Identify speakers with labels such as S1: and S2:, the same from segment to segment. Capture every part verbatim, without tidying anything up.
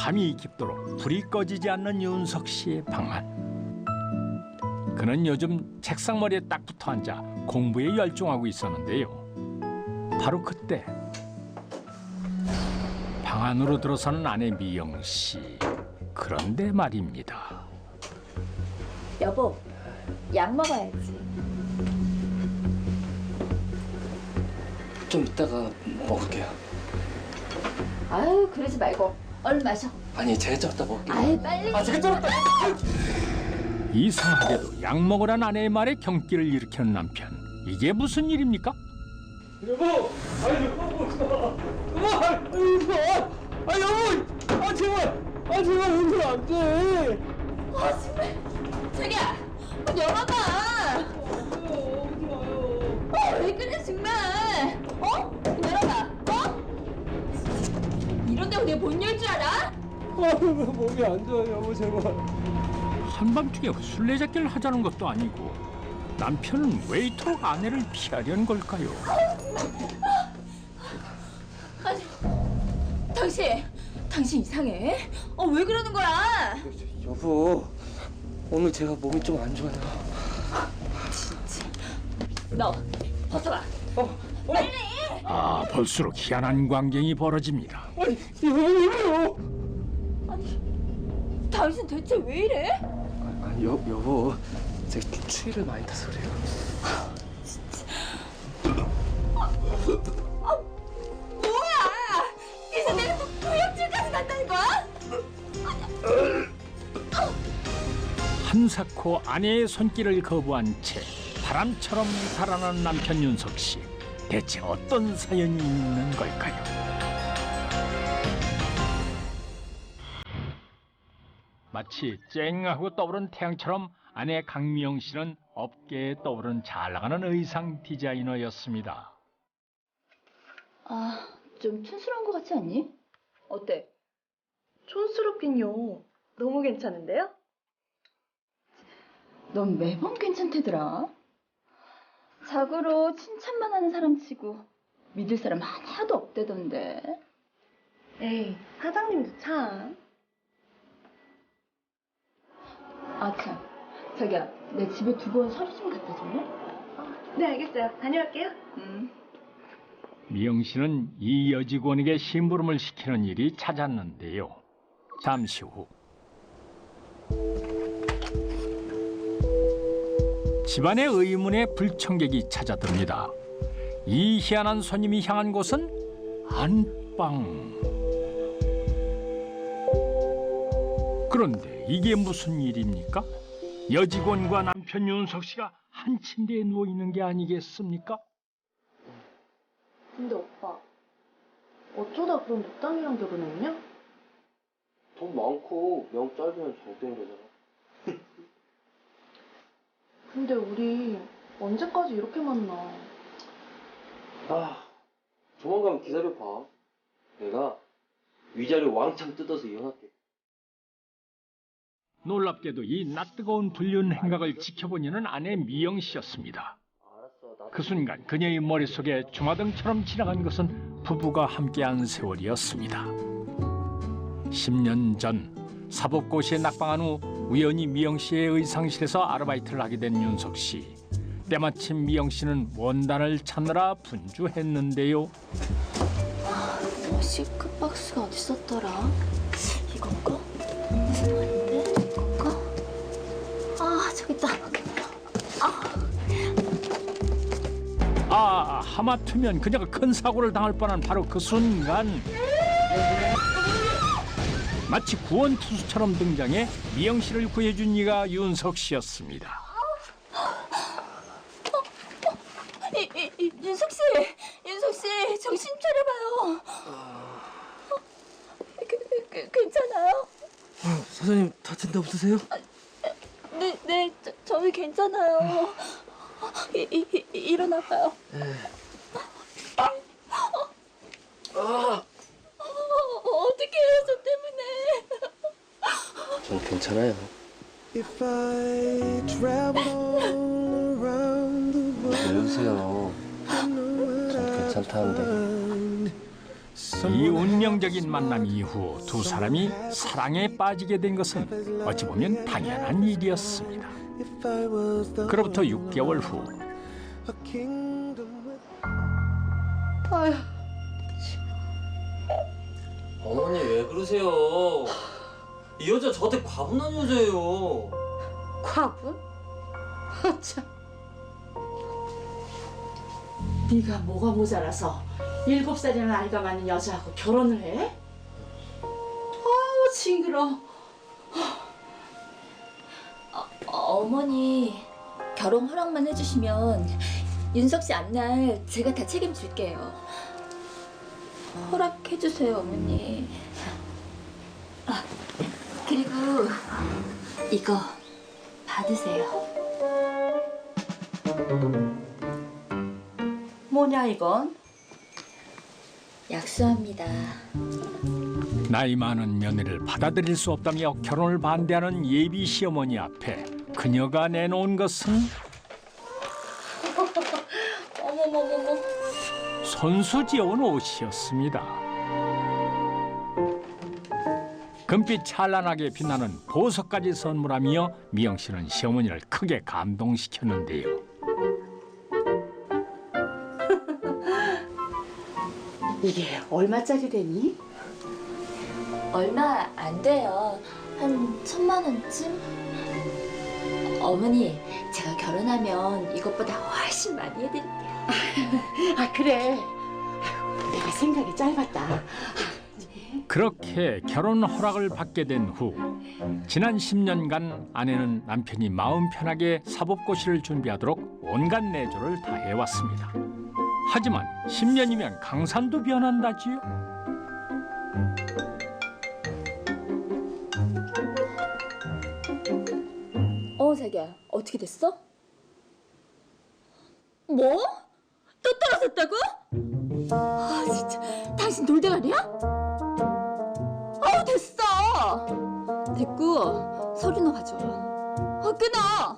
S1: 밤이 깊도록 불이 꺼지지 않는 윤석 씨의 방안. 그는 요즘 책상머리에 딱 붙어 앉아 공부에 열중하고 있었는데요. 바로 그때 방 안으로 들어서는 아내 미영 씨. 그런데 말입니다.
S2: 여보, 약 먹어야지.
S3: 좀 이따가 먹을게요.
S2: 아유, 그러지 말고 얼른 마셔.
S3: 아니, 제가 좀 이따 먹을게요.
S2: 아유, 빨리.
S3: 아, 제가 좀 이따.
S1: 이상하게도 약 먹으란 아내의 말에 경기를 일으키는 남편. 이게 무슨 일입니까?
S3: 여보! 아니, 여보! 여보! 아, 여보! 아, 제발! 아, 제발, 울면 안 돼!
S2: 아, 정말. 자기야, 문 열어봐. 어, 왜 그래, 정말. 어? 문 열어봐. 어? 이런다고 내가 못 열 줄 알아?
S3: 아, 몸이 안 좋아요, 여보, 제발.
S1: 한밤중에 술래잡기를 하자는 것도 아니고 남편은 왜 이토록 아내를 피하려는 걸까요?
S2: 아니, 당신, 당신 이상해. 어, 왜 그러는 거야?
S3: 여보, 오늘 제가 몸이 좀 안 좋아요.
S2: 진짜. 너 벗어봐.
S3: 어, 어.
S2: 빨리.
S1: 아, 볼수록 희한한 광경이 벌어집니다.
S3: 아니, 여보, 왜요?
S2: 아니, 당신 대체 왜 이래?
S3: 아니, 여, 여보, 제가 추위를 많이 타서 그래요.
S2: 아, 뭐야? 이제 내가 또 구역질까지 간다는 거야?
S1: 한사코 아내의 손길을 거부한 채 바람처럼 달아난 남편 윤석 씨. 대체 어떤 사연이 있는 걸까요? 마치 쨍하고 떠오른 태양처럼 아내 강미영 씨는 업계에 떠오른 잘 나가는 의상 디자이너였습니다.
S2: 아, 좀 촌스러운 것 같지 않니? 어때?
S4: 촌스럽긴요. 너무 괜찮은데요?
S2: 넌 매번 괜찮대더라. 자고로 칭찬만 하는 사람 치고 믿을 사람 하나도 없대던데.
S4: 에이, 사장님도 참.
S2: 아, 참. 자기야, 내 집에 두고 온 서류 좀 갖다 줄래?
S4: 네, 알겠어요. 다녀올게요.
S2: 응.
S1: 미영 씨는 이 여직원에게 심부름을 시키는 일이 잦았는데요. 잠시 후 집안의 의문에 불청객이 찾아듭니다. 이 희한한 손님이 향한 곳은 안방. 그런데 이게 무슨 일입니까? 여직원과 남편 윤석 씨가 한 침대에 누워 있는 게 아니겠습니까?
S4: 근데 오빠, 어쩌다 그런 늑당이랑 결혼했냐?
S3: 돈 많고 명 짧으면 잘된 거잖아.
S4: 근데 우리 언제까지 이렇게 만나?
S3: 아, 조만간 기다려봐. 내가 위자료 왕창 뜯어서 이혼할게.
S1: 놀랍게도 이 낯뜨거운 불륜 행각을 지켜보려는 아내 미영 씨였습니다.
S3: 알았어, 나.
S1: 그 순간 그녀의 머릿속에 주마등처럼 지나간 것은 부부가 함께한 세월이었습니다. 십 년 전 사법고시에 낙방한 후 우연히 미영 씨의 의상실에서 아르바이트를 하게 된 윤석 씨. 때마침 미영 씨는 원단을 찾느라 분주했는데요.
S2: 아, 시크 박스가 어디 있었더라? 이건가? 아닌데? 이건가? 아, 저기 있다.
S1: 아, 하마터면 그녀가 큰 사고를 당할 뻔한 바로 그 순간 마치 구원투수처럼 등장해 미영 씨를 구해준 이가 윤석 씨였습니다.
S2: 이, 이, 이, 윤석 씨, 윤석 씨, 정신 차려봐요. 어, 그, 그, 괜찮아요?
S3: 아, 사장님 다친 데 없으세요?
S2: 네, 네, 저, 저희 괜찮아요. 이, 이, 이, 일어나봐요.
S3: 네. 아! 아!
S2: 어, 어떻게 해요, 저 때문에.
S3: 전 괜찮아요.
S5: If I travel all around the world,
S3: 왜 웃으세요?
S5: I know what
S3: 전
S5: I'd
S3: 괜찮다는데.
S5: find.
S1: 이 운명적인 만남 이후 두 사람이 사랑에 빠지게 된 것은 어찌 보면 당연한 일이었습니다.
S5: If I was the
S1: 그로부터 육 개월 후
S5: a kingdom with
S4: 아휴,
S3: 어머니 왜 그러세요? 이 여자 저한테 과분한 여자예요.
S4: 과분? 아, 참.
S6: 네가 뭐가 모자라서 일곱 살이라는 아이가 많은 여자하고 결혼을 해? 아우 징그러.
S2: 어, 어머니 결혼 허락만 해주시면 윤석 씨 앞날 제가 다 책임질게요. 허락해주세요, 어머니. 아, 그리고 이거 받으세요.
S6: 뭐냐 이건?
S2: 약수합니다.
S1: 나이 많은 며느리를 받아들일 수 없다며 결혼을 반대하는 예비 시어머니 앞에 그녀가 내놓은 것은
S2: 어머머머머.
S1: 손수 지어온 옷이었습니다. 금빛 찬란하게 빛나는 보석까지 선물하며 미영 씨는 시어머니를 크게 감동시켰는데요.
S6: 이게 얼마짜리래니?
S2: 얼마 안 돼요. 한 천만 원쯤? 어머니, 제가 결혼하면 이것보다 훨씬 많이 해드릴게요.
S6: 아 그래. 아이고, 내가 생각이 짧았다.
S1: 그렇게 결혼 허락을 받게 된 후 지난 십 년간 아내는 남편이 마음 편하게 사법고시를 준비하도록 온갖 내조를 다해왔습니다. 하지만 십 년이면 강산도 변한다지요.
S2: 어, 자기야, 어떻게 됐어? 뭐? 또 떨어졌다고? 아, 진짜, 당신 돌대가리야? 아우, 됐어! 됐고, 서류나 가져와. 아, 끊어!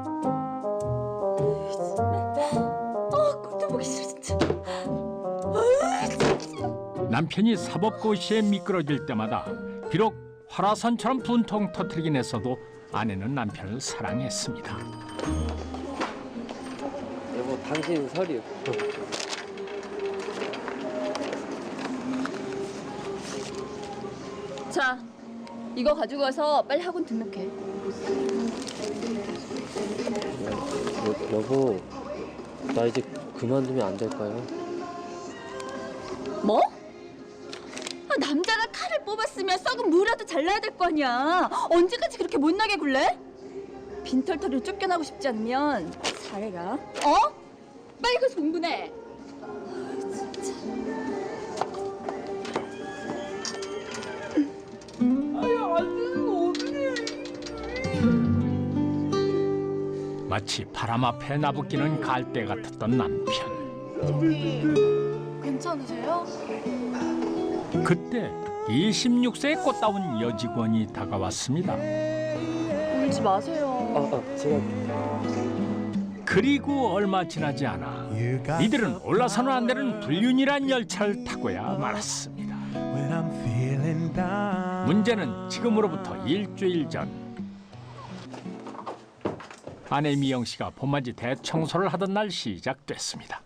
S2: 아, 꼴도 보기 싫어, 진짜.
S1: 남편이 사법고시에 미끄러질 때마다 비록 화라산처럼 분통 터뜨리긴 했어도 아내는 남편을 사랑했습니다.
S3: 여보 당신 서류.
S2: 자, 이거 가지고 와서 빨리 학원 등록해.
S3: 여, 여보 나 이제 그만두면 안 될까요?
S2: 뭐? 아, 남자가 칼을 뽑았으면 썩은 무라도 잘라야 될 거 아니야. 언제까지 그렇게 못나게 굴래? 빈털터리로 쫓겨나고 싶지 않으면 잘해라. 어? 빨리 가서 공부해.
S1: 마치 바람 앞에 나부끼는 갈대 같았던 남편.
S2: 괜찮으세요?
S1: 그때 이십육 세의 꽃다운 여직원이 다가왔습니다.
S2: 울지 마세요.
S3: 아, 아 제가
S1: 그리고 얼마 지나지 않아 이들은 올라서는 안 되는 불륜이란 열차를 타고야 말았습니다.
S5: when I'm feeling down.
S1: 문제는 지금으로부터 일주일 전 아내 미영 씨가 봄맞이 대청소를 하던 날 시작됐습니다.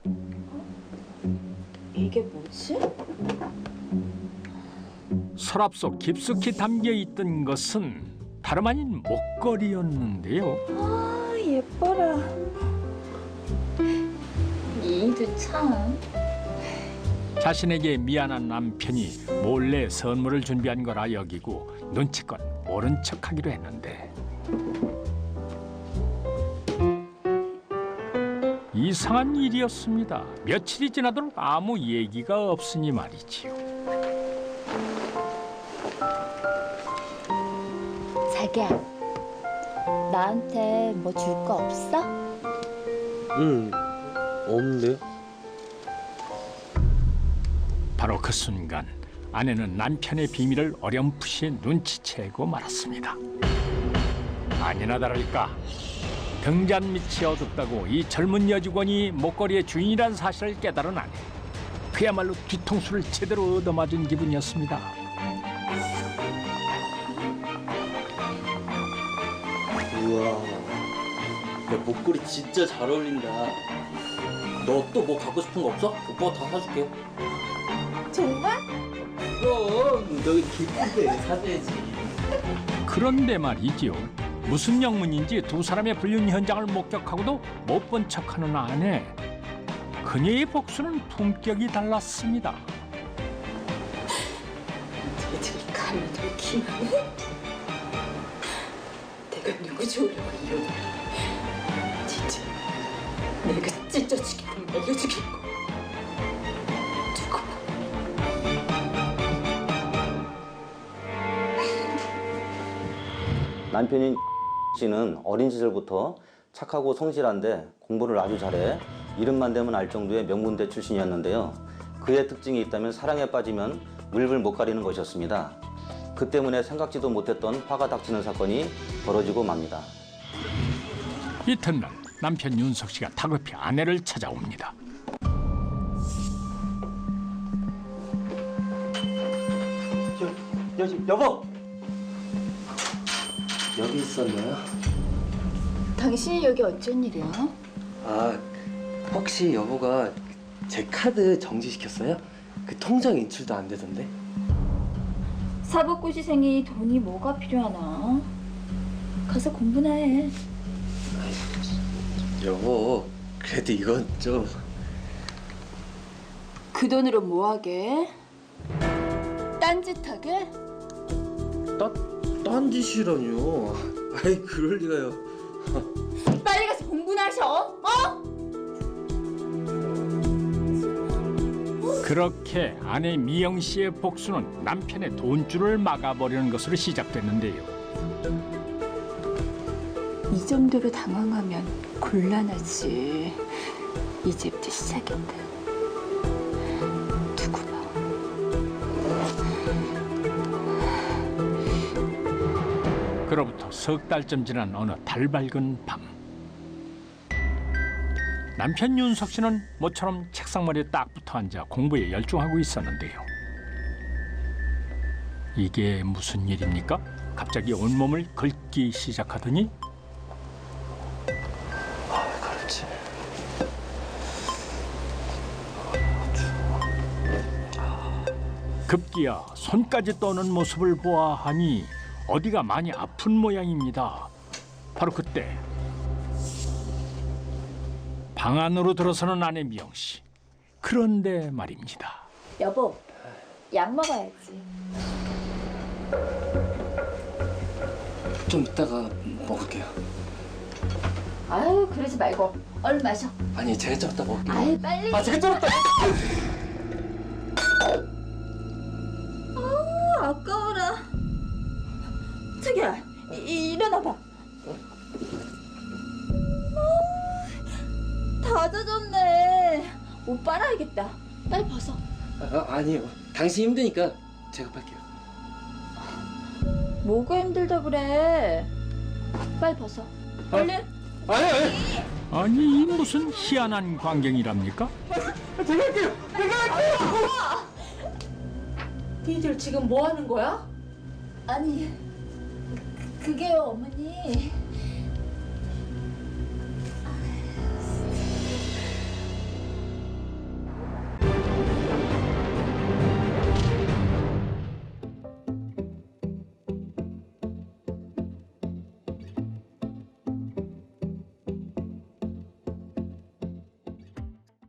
S2: 이게 뭐지?
S1: 서랍 속 깊숙이 담겨 있던 것은 다름 아닌 목걸이였는데요.
S2: 아, 예뻐라. 이도 참.
S1: 자신에게 미안한 남편이 몰래 선물을 준비한 거라 여기고 눈치껏 모른 척하기로 했는데 이상한 일이었습니다. 며칠이 지나도록 아무 얘기가 없으니 말이지요.
S2: 자기야, 나한테 뭐 줄 거 없어?
S3: 응 없는데요?
S1: 바로 그 순간 아내는 남편의 비밀을 어렴풋이 눈치채고 말았습니다. 아니나 다를까 등잔 밑이 어둡다고 이 젊은 여직원이 목걸이의 주인이란 사실을 깨달은 아내. 그야말로 뒤통수를 제대로 얻어맞은 기분이었습니다.
S3: 우와, 야, 목걸이 진짜 잘 어울린다. 너 또 뭐 갖고 싶은 거 없어? 오빠가 다 사줄게.
S2: 정말?
S3: 그럼 너희 기쁜데 사줘야지.
S1: 그런데 말이지요. 무슨 영문인지 두 사람의 불륜 현장을 목격하고도 못 본 척하는 아내. 그녀의 복수는 품격이 달랐습니다.
S6: 쟤들이 감히 들키네. 내가 누구 좋으려고 이러냐. 진짜 내가 찢어 죽이고 말려 죽일 거. 두고 봐.
S7: 남편인 씨는 어린 시절부터 착하고 성실한데 공부를 아주 잘해 이름만 대면 알 정도의 명문대 출신이었는데요. 그의 특징이 있다면 사랑에 빠지면 물불 못 가리는 것이었습니다. 그 때문에 생각지도 못했던 화가 닥치는 사건이 벌어지고 맙니다.
S1: 이튿날 남편 윤석 씨가 다급히 아내를 찾아옵니다.
S3: 여, 여, 여보! 여기 있었나요?
S2: 당신이 여기 어쩐 일이야?
S8: 아, 혹시 여보가 제 카드 정지시켰어요? 그 통장 인출도 안 되던데?
S2: 사법고시생이 돈이 뭐가 필요하나? 가서 공부나 해.
S8: 여보, 그래도 이건 좀...
S2: 그 돈으로 뭐 하게? 딴짓하게?
S8: 따, 딴짓이라뇨. 아이, 그럴 리가요.
S2: 빨리 가서 공부나 하셔. 어?
S1: 그렇게 아내 미영 씨의 복수는 남편의 돈줄을 막아버리는 것으로 시작됐는데요.
S2: 이 정도로 당황하면 곤란하지. 이제부터 시작인데. 두고 봐.
S1: 그로부터 석 달쯤 지난 어느 달 밝은 밤. 남편 윤석 씨는 모처럼 책상머리에 딱 붙어 앉아 공부에 열중하고 있었는데요. 이게 무슨 일입니까? 갑자기 온몸을 긁기 시작하더니
S8: 그렇지.
S1: 급기야 손까지 떠는 모습을 보아하니 어디가 많이 아픈 모양입니다. 바로 그때 방 안으로 들어서는 아내 미영 씨. 그런데 말입니다.
S2: 여보, 약 먹어야지.
S8: 좀 이따가 먹을게요.
S2: 아유, 그러지 말고 얼른 마셔.
S8: 아니, 제가 좀 이따 먹을게요.
S2: 아유, 빨리.
S8: 아, 제가 좀 이따...
S2: 아, 아까워라. 자기야, 이, 일어나봐. 어, 다 젖었네. 옷 빨아야겠다. 빨리 벗어.
S8: 아, 아니요. 당신 힘드니까 제가 빨게요.
S2: 뭐가 힘들다 그래. 빨리 벗어. 얼른.
S8: 아니, 아니.
S1: 아니 이 무슨 희한한 광경이랍니까?
S8: 제가 할게요. 제가 할게요.
S6: 니들 지금 뭐 하는 거야?
S2: 아니, 그게요, 어머니.